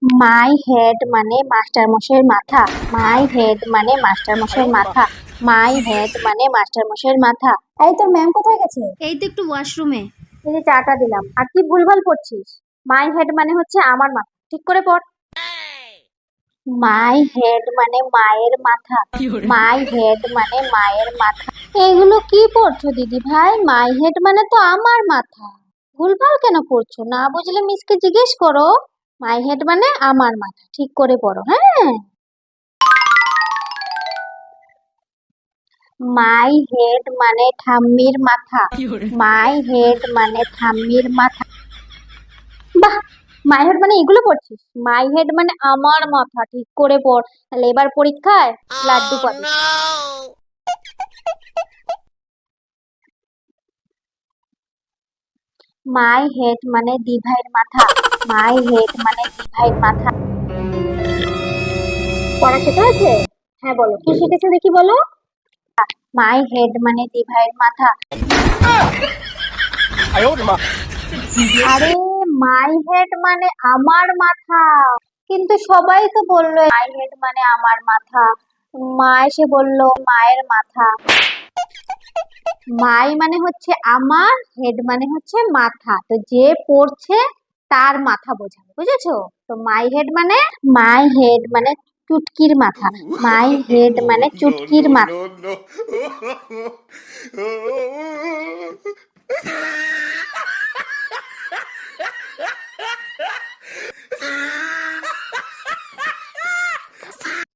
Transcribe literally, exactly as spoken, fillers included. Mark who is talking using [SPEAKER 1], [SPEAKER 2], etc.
[SPEAKER 1] My head মানে master মশাইয়ের মাথা। মাই হেড মানে মাস্টার মশাইয়ের মাথা। মাই হেড মানে মাস্টার মশাইয়ের মাথা। এই তোর ম্যাম কোথায় গেছে?
[SPEAKER 2] এই তো একটু ওয়াশরুমে।
[SPEAKER 1] এই যে চাটা দিলাম, আর কি ভুলভাল পড়ছিস? মাই হেড মানে হচ্ছে আমার মাথা, ঠিক করে পড়। মাই হেড মানে মায়ের মাথা। মাই হেড মানে মায়ের মাথা। এগুলো কি পড়ছো দিদি ভাই? মাই হেড মানে তো আমার মাথা, ভুলভাল কেন পড়ছো? না বুঝলে মিসকে জিজ্ঞেস করো। মাই হেড মানে আমার মাথা, ঠিক করে পড়ো। হ্যাঁ, মাই হেড মানে ঠাম্মির মাথা। মাই হেড মানে ঠাম্মির মাথা। বাহ, মাই হেড মানে এগুলো পড়ছিস? মাই হেড মানে আমার মাথা, ঠিক করে পড়, তাহলে এবার পরীক্ষায় লাড্ডু পাবি। মাই হেড মানে দিভাইয়ের মাথা। মাই হেড মানে দিভাইয়ের মাথা। পড়া শেখা হয়েছে? হ্যাঁ বলো, কি শিখেছো দেখি বলো। মাই হেড মানে দিভাইয়ের মাথা। আরে, মাই হেড মানে আমার মাথা, কিন্তু সবাই তো বললো মাই হেড মানে আমার মাথা। মা এসে বললো মায়ের মাথা। মাই মানে হচ্ছে আমার, হেড মানে হচ্ছে মাথা, তো যে পড়ছে তার মাথা বোঝাবে, বুঝেছো? তো মাই হেড মানে, মাই হেড মানে চুটকির মাথা। মাই হেড মানে চুটকির মাথা।